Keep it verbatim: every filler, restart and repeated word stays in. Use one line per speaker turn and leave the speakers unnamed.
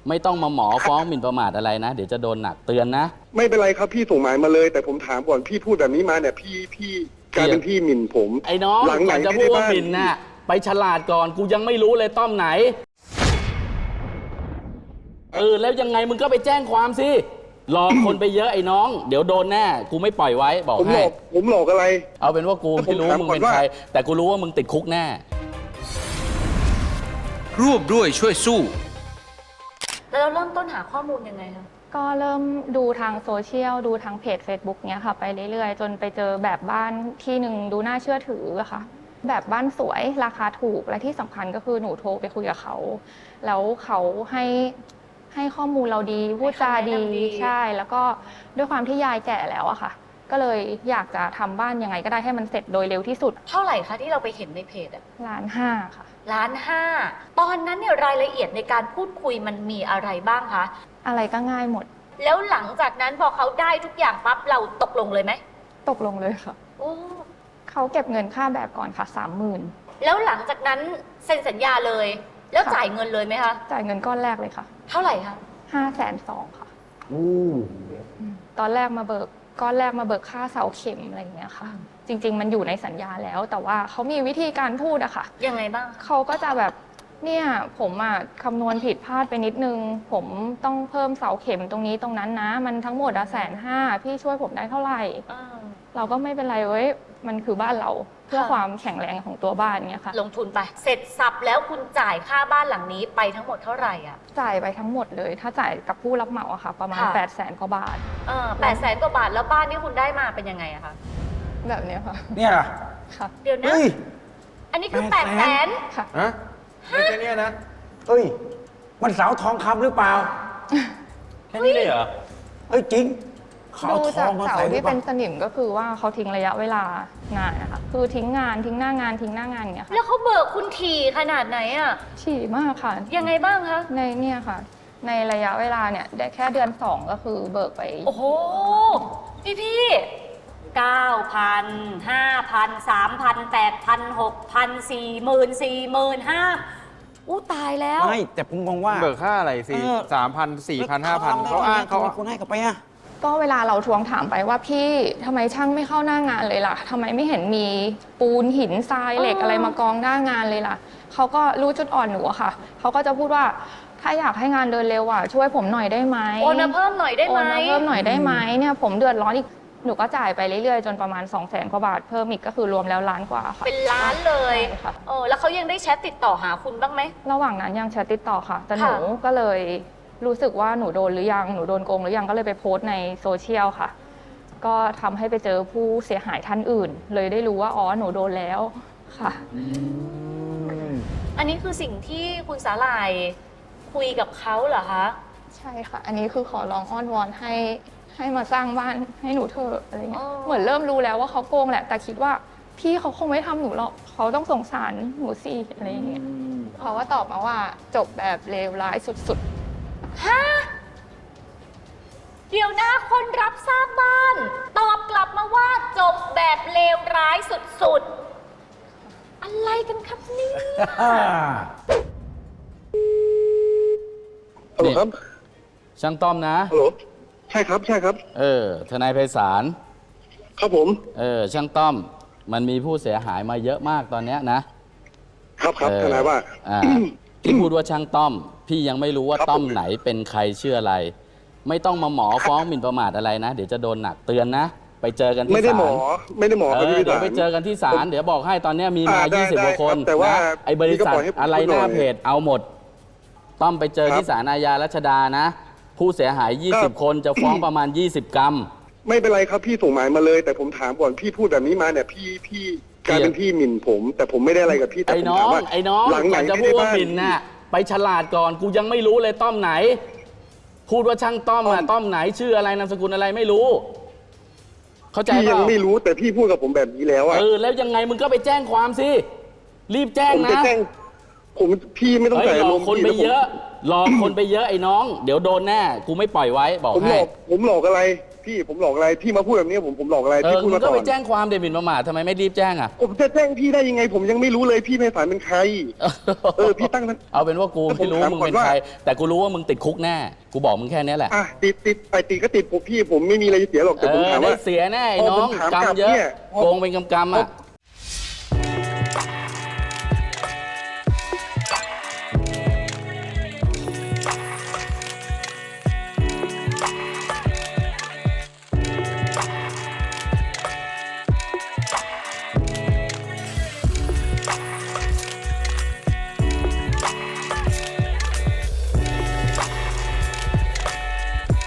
ไม่ต้องมาหมอฟ้องหมิ่นประมาทอะไรนะเดี๋ยวจะโดนหนักเตือนนะ
ไม่เป็นไรครับพี่ส่งหมายมาเลย แต่ผมถามก่อนพี่พูดแบบนี้มาเนี่ยพี่พี่กลายเป็นพี่หมิ่นผม
ไอ้น้อง
หลังไหน
จะพูดว่าหมิ่นน่ะไปฉลาดก่อนกูยังไม่รู้เลยต้อมไหนเออแล้วยังไงมึงก็ไปแจ้งความสิหลอกคนไปเยอะไอ้น้องเดี๋ยวโดนแน่กูไม่ปล่อยไว้บอกให้
ผมหลอกอะไร
เอาเป็นว่ากูไม่รู้มึงเป็นใครแต่กูรู้ว่ามึงติดคุกแน่
ร่วมด้วยช่วยสู้
แล้วเราเริ่มต้นหาข้อมูลยังไงคะ
ก็เริ่มดูทางโซเชียลดูทางเพจ Facebook เนี้ยค่ะไปเรื่อยๆจนไปเจอแบบบ้านที่หนึ่งดูน่าเชื่อถืออะค่ะแบบบ้านสวยราคาถูกและที่สำคัญก็คือหนูโทรไปคุยกับเขาแล้วเขาให้ให้ข้อมูลเราดีพูดจาดีใช่แล้วก็ด้วยความที่ยายแก่แล้วอะค่ะก็เลยอยากจะทำบ้านยังไงก็ได้ให้มันเสร็จโดยเร็วที่สุด
เท่าไหร่คะที่เราไปเห็นในเพจอะ
ล้านห้าค่ะ
ล้านห้าตอนนั้นเนี่ยรายละเอียดในการพูดคุยมันมีอะไรบ้างคะ
อะไรก็ง่ายหมด
แล้วหลังจากนั้นพอเขาได้ทุกอย่างปั๊บเราตกลงเลยไหม
ตกลงเลยค่ะ
โอ้
เขาเก็บเงินค่าแบบก่อนค่ะสามหมื่น
แล้วหลังจากนั้นเซ็นสัญญาเลยแล้วจ่ายเงินเลยไหมคะ
จ่ายเงินก้อนแรกเลยค่ะ
เท่าไหร่คะ
ห้าแสนสองค่ะตอนแรกมาเบิกก้อนแรกมาเบิกค่าเสาเข็มอะไรอย่างเงี้ยค่ะจริงๆมันอยู่ในสัญญาแล้วแต่ว่าเขามีวิธีการพูดอะค่ะ
ยังไงบ้าง
เขาก็จะแบบเนี่ยผมอะคำนวณผิดพลาดไปนิดนึงผมต้องเพิ่มเสาเข็มตรงนี้ตรงนั้นนะมันทั้งหมดอะแสนห้าพี่ช่วยผมได้เท่าไหร่เราก็ไม่เป็นไรเว้ยมันคือบ้านเราเพื่อความแข็งแรงของตัวบ้านเนี้ยค่ะ
ลงทุนไปเสร็จสับแล้วคุณจ่ายค่าบ้านหลังนี้ไปทั้งหมดเท่าไหร่อะ
จ่ายไปทั้งหมดเลยถ้าจ่ายกับผู้รับเหมาอะค่ะประมาณแปดแสนกว่าบาท
เออแปดแสนกว่าบาทแล้วบ้านที่คุณได้มาเป็นยังไงอะคะ
แบบนี้ค่ะ
เนี่ยเหรอ
ค่ะ
เดี๋ยวนะอันนี้คือแปดแสน
ค่ะ
ฮะไม่ใช่เนี่ยนะเอ้ยมันเสาทองคำหรือเปล่า
แค่นี้เลยเหรอ
เอ้ยจริง
ดูจากเสาที่เป็นสนิมก็คือว่าเขาทิ้งระยะเวลางานนะคะคือทิ้งงานทิ้งหน้างานทิ้งหน้างานอย่างเงี้ยค่ะ
แล้วเขาเบิกคุณถี่ขนาดไหนอ่ะ
ถี่มากค่ะ
ยังไงบ้างคะ
ในเนี่ยค่ะในระยะเวลาเนี่ยได้แค่เดือนสองก็คือเบิกไป
โอ้โหพี่พี่เก้าพันห้าพันสามพันแปดพันหกพันสี่หมื่นสี่หมื่นห้าอู้ตายแล้ว
ไม่แต่ผมมองว่า
เบิกค่าอะไรสิสามพันสี่พันห้าพันเขาอ้างเขา
คนให้กับไปอ่ะ
ก็เวลาเราทวงถามไปว่าพี่ทำไมช่างไม่เข้าหน้างานเลยล่ะทำไมไม่เห็นมีปูนหินทรายเหล็กอะไรมากองหน้างานเลยล่ะเขาก็รู้จุดอ่อนหนูอะค่ะเขาก็จะพูดว่าถ้าอยากให้งานเดินเร็วอ่ะช่วยผมหน่อยได้ไหม
โอนมาเพิ่มหน่อยได้ไหม
โอนมาเพิ่มหน่อยได้ไหมเนี่ยผมเดือดร้อนอีกหนูก็จ่ายไปเรื่อยๆจนประมาณ สองแสน กว่าบาทเพิ่มอีกก็คือรวมแล้วล้านกว่าค่ะ
เป็นล้านเลย
ค่ะ
โอ้แล้วเขายังได้แชทติดต่อหาคุณบ้างไหม
ระหว่างนั้นยังแชทติดต่อค่ะแต่หนูก็เลยรู้สึกว่าหนูโดนหรือยังหนูโดนโกงหรือยังก็เลยไปโพสต์ในโซเชียลค่ะก็ทำให้ไปเจอผู้เสียหายท่านอื่นเลยได้รู้ว่าอ๋อหนูโดนแล้วค่ะ
อันนี้คือสิ่งที่คุณสาหร่ายคุยกับเขาเหรอคะ
ใช่ค่ะอันนี้คือขอร้องอ้อนวอนให้ให้มาสร้างบ้านให้หนูเถอะอะไรเงี้ยเหมือนเริ่มรู้แล้วว่าเขาโกงแหละแต่คิดว่าพี่เขาคงไม่ทำหนูหรอกเขาต้องสงสารหนูสิอะไรเงี้ยเขาว่าตอบมาว่าจบแบบเลวร้ายสุด
ๆฮะเดี๋ยวนะคนรับสร้างบ้านตอบกลับมาว่าจบแบบเลวร้ายสุดๆอะไรกันครับเนี่ย
ฮัลโหลครับ
ช่างต้อมนะ
ฮัลโหลใช่ครับใช่ครับ
เออทนายไพศาล
ครับผม
เออช่างต้อมมันมีผู้เสียหายมาเยอะมากตอนเนี้ยนะครับ
ครับทนายว่า
อ่าที่พูดว่าช่างต้อมพี่ยังไม่รู้ว่าต้อมไหนเป็นใครชื่ออะไรไม่ต้องมาหมอฟ้องหมิ่นประมาทอะไรนะเดี๋ยวจะโดนหนักเตือนนะไปเจอกันที่ศาล
ไม่ได้หมอไม่ได้หมอ
เดี๋ยวไปเจอกันที่ศาลเดี๋ยวบอกให้ตอนนี้มีมายี่สิบกว่าคน
แต่ว่า
ไอ้บริษัทอะไรหน้าเพจเอาหมดต้อมไปเจอที่ศาลอาญารัชดานะผู้เสียหายยี่สิบคนจะฟ้องประมาณยี่สิบกรัม
ไม่เป็นไรครับพี่ส่งหมายมาเลยแต่ผมถามก่อนพี่พูดแบบนี้มาเนี่ยพี่พี่กลายเป็นพี่หมิ่นผมแต่ผมไม่ได้อะไรกับพี่แต่ผมถามว่า
ไอ้น้อง
หลังไหน
จะพูดว่าหมิ่นน่ะไปฉลาดก่อนกูยังไม่รู้เลยต้อมไหนพูดว่าช่างต้อมอะต้อมไหนชื่ออะไรนามสกุลอะไรไม่รู้เข้าใจป่ะ
พี่ยังไม่รู้แต่พี่พูดกับผมแบบนี้แล้วอะ
เออแล้วยังไงมึงก็ไปแจ้งความสิรีบแจ้งนะ
ผมพี่ไม่ต้องใส่
หลอกคนไปเยอะหลอกคนไปเยอะไอ้น้องเดี๋ยวโดนแน่กูไม่ปล่อยไว้บอกให้
ผมหลอกผมหลอกอะไรพี่ผมหลอกอะไรพี่มาพูดแบบนี้ผมผมหลอกอะไร
เอ
พี่
อ
พูด
มึง
มา
ก็
ก่อ
ไป
น
แจ้งความเดบินประมาททำไมไม่รีบแจ้งอ่ะ
ผมจะแจ้งพี่ได้ยังไง ผมยังไม่รู้เลยพี่ไพศาลเป็นใคร เออพี่ตั้งนั้น
เอาเป็นว่ากู
แล้วผม
ไม่รู้
ถาม
มึง
ก่อน
เป็น
ว่า
ใคร แต่กูรู้ว่ามึงติดคุกแน่กูบอกมึงแค่นี้แหละ
อ่ะติดติดไอติดก็ติดผมพี่ผมไม่มีอะไรจะเสียหรอก
เอ
แต่ผม
อ
ถาม
ได้
ว่า
เสียแน่ไอ้
พอ
น้
ผ
อ
ม
ง
ถาม
กรร
กลั
ม
บ
เยอะ
เนี่ยพอ
โกงเป็นกำกำอ่ะ